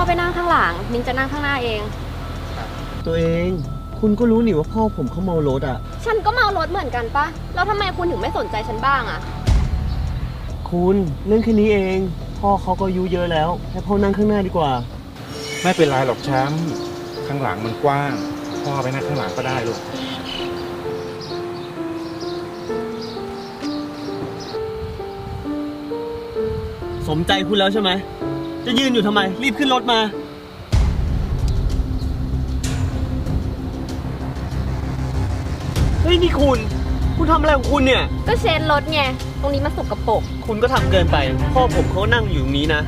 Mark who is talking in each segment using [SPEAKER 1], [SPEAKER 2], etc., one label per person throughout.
[SPEAKER 1] ไปนั่งข้างหลังนิ้งจะนั่งข้างหน้าเอง
[SPEAKER 2] ตัวเองคุณก็รู้นี่ว่าพ่อผมเขาเมารถอ่ะ
[SPEAKER 1] ฉันก็เมารถเหมือนกันปะแล้วทำไมคุณถึงไม่สนใจฉันบ้างอะ
[SPEAKER 2] คุณเรื่องแค่นี้เองพ่อเขาก็อายุเยอะแล้วให้พ่อนั่งข้างหน้าดีกว่า
[SPEAKER 3] ไม่เป็นไรหรอกแชมป์ข้างหลังมันกว้างพ่อไปนั่งข้างหลังก็ได้ลูก
[SPEAKER 2] สมใจคุณแล้วใช่ไหมจะยืนอยู่ทำไมรีบขึ้นรถมาเฮ้ยนี่คุณทำอะไรของคุณเนี่ย
[SPEAKER 1] ก็เช็ดรถไงตรงนี้มันสกปรก
[SPEAKER 2] คุณก็ทำเกินไปพ่อผมเขานั่งอยู่ตรงนี้นะ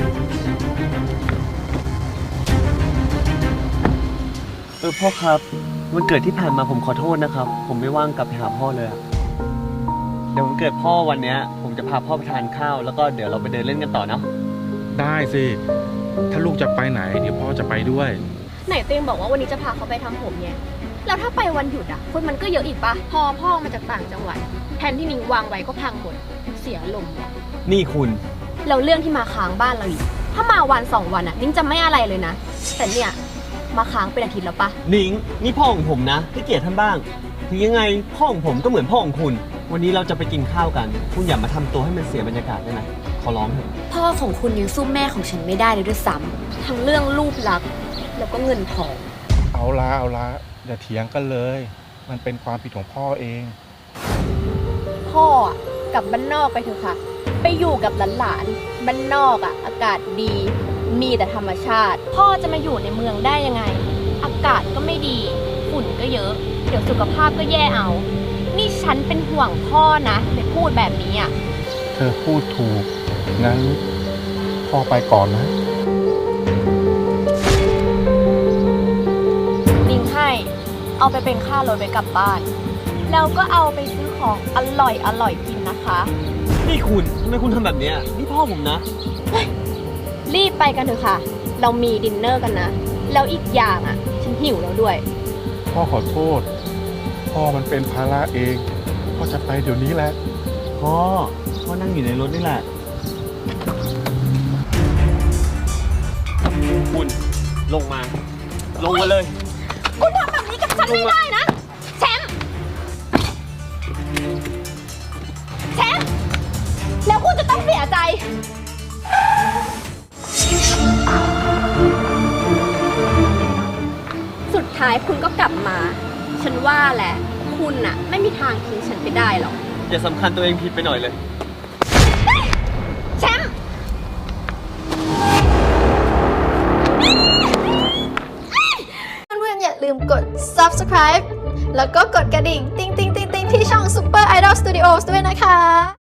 [SPEAKER 2] พ่อครับวันเกิดที่ผ่านมาผมขอโทษนะครับผมไม่ว่างกลับไปหาพ่อเลยเดี๋ยววันเกิดพ่อวันนี้ผมจะพาพ่อไปทานข้าวแล้วก็เดี๋ยวเราไปเดินเล่นกันต่อเนาะ
[SPEAKER 3] ได้สิถ้าลูกจะไปไหนเดี๋ยวพ่อจะไปด้วย
[SPEAKER 1] ไหนเต้งบอกว่าวันนี้จะพาเขาไปทำผมไงแล้วถ้าไปวันหยุดอ่ะคนมันก็เยอะอีกปะพอพ่อมาจากต่างจังหวัดแทนที่นิ้งวางไว้ก็พังหมดเสียลมว่ะ
[SPEAKER 2] นี่คุณ
[SPEAKER 1] แล้วเรื่องที่มาค้างบ้านเราอีกถ้ามาวัน2 วันอ่ะนิ้งจะไม่อะไรเลยนะแต่เนี่ยมาค้างเป็นอาทิตย์แล้วปะ
[SPEAKER 2] นิ้งนี่พ่อของผมนะให้เกียรติท่านบ้างถึงยังไงพ่อของผมก็เหมือนพ่อของคุณวันนี้เราจะไปกินข้าวกันคุณอย่ามาทำตัวให้มันเสียบรรยากาศได้ไหมขอร้องเถอะ
[SPEAKER 1] พ่อของคุณยังสู้แม่ของฉันไม่ได้เลยด้วยซ้ำทั้งเรื่องรูปลักษณ์แล้วก็เงินทอง
[SPEAKER 3] เอาละอย่าเถียงกันเลยมันเป็นความผิดของพ่อเอง
[SPEAKER 1] พ่อกลับบ้านนอกไปเถอะค่ะไปอยู่กับหลานๆบ้านนอกอากาศดีมีแต่ธรรมชาติพ่อจะมาอยู่ในเมืองได้ยังไงอากาศก็ไม่ดีฝุ่นก็เยอะเดี๋ยวสุขภาพก็แย่เอานี่ฉันเป็นห่วงพ่อนะเลยพูดแบบนี้อ่ะ
[SPEAKER 3] เธอพูดถูกงั้นพ่อไปก่อนนะ
[SPEAKER 1] นิ้งให้เอาไปเป็นค่ารถไปกลับบ้านแล้วก็เอาไปซื้อของอร่อยกินนะคะ
[SPEAKER 2] นี่คุณทำไมคุณทำแบบนี้นี่พ่อผมนะ
[SPEAKER 1] รีบไปกันเถอะค่ะเรามีดินเนอร์กันนะแล้วอีกอย่างฉันหิวแล้วด้วย
[SPEAKER 3] พ่อขอโทษพ่อมันเป็นภาระเองพ่อจะไปเดี๋ยวนี้แหละ
[SPEAKER 2] พ่อนั่งอยู่ในรถนี่แหละคุณลงมาเลย
[SPEAKER 1] คุณทำแบบนี้กับฉันไม่ได้นะแชมป์แล้วคุณจะต้องเสียใจสุดท้ายคุณก็กลับมาฉันว่าแหละคุณไม่มีทางทิ้งฉันไปได้หรอก
[SPEAKER 2] อย่าสำคัญตัวเองผิดไปหน่อยเลย
[SPEAKER 1] แชมป์
[SPEAKER 4] เพื่อนๆอย่าลืมกด subscribe แล้วก็กดกระดิ่งติ๊งๆๆๆที่ช่อง Super Idol Studios ด้วยนะคะ